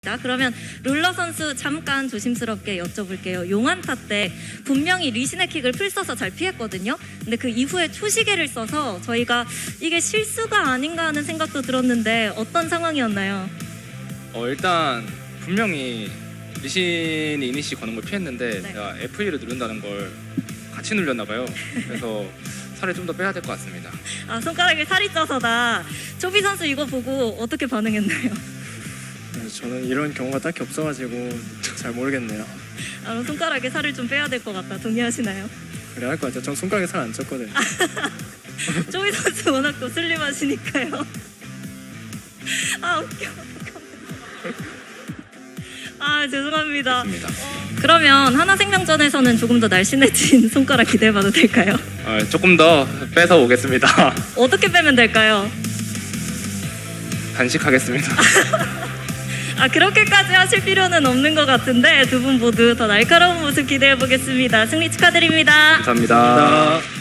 자, 그러면 룰러 선수 잠깐 조심스럽게 여쭤볼게요. 용안타 때 분명히 리시네킥을 풀 써서 잘 피했거든요. 근데 그 이후에 초시계를 써서 저희가 이게 실수가 아닌가 하는 생각도 들었는데 어떤 상황이었나요? 일단 분명히 리신이 이니시 거는 걸 피했는데 네. 제가 F2를 누른다는 걸 같이 눌렸나 봐요. 그래서 살을 좀 더 빼야 될 것 같습니다. 아, 손가락에 살이 쪄서다. 초비 선수 이거 보고 어떻게 반응했나요? 저는 이런 경우가 딱히 없어가지고 잘 모르겠네요. 아, 손가락에 살을 좀 빼야 될 것 같다. 동의하시나요? 그래야 할 것 같아요. 전 손가락에 살 안 쪘거든요. 초비 선수 워낙 또 슬림하시니까요. 아, 웃겨. 아, 죄송합니다. 좋습니다. 그러면 하나생명전에서는 조금 더 날씬해진 손가락 기대해봐도 될까요? 조금 더 빼서 오겠습니다. 어떻게 빼면 될까요? 단식하겠습니다. 아, 그렇게까지 하실 필요는 없는 것 같은데 두 분 모두 더 날카로운 모습 기대해보겠습니다. 승리 축하드립니다. 감사합니다.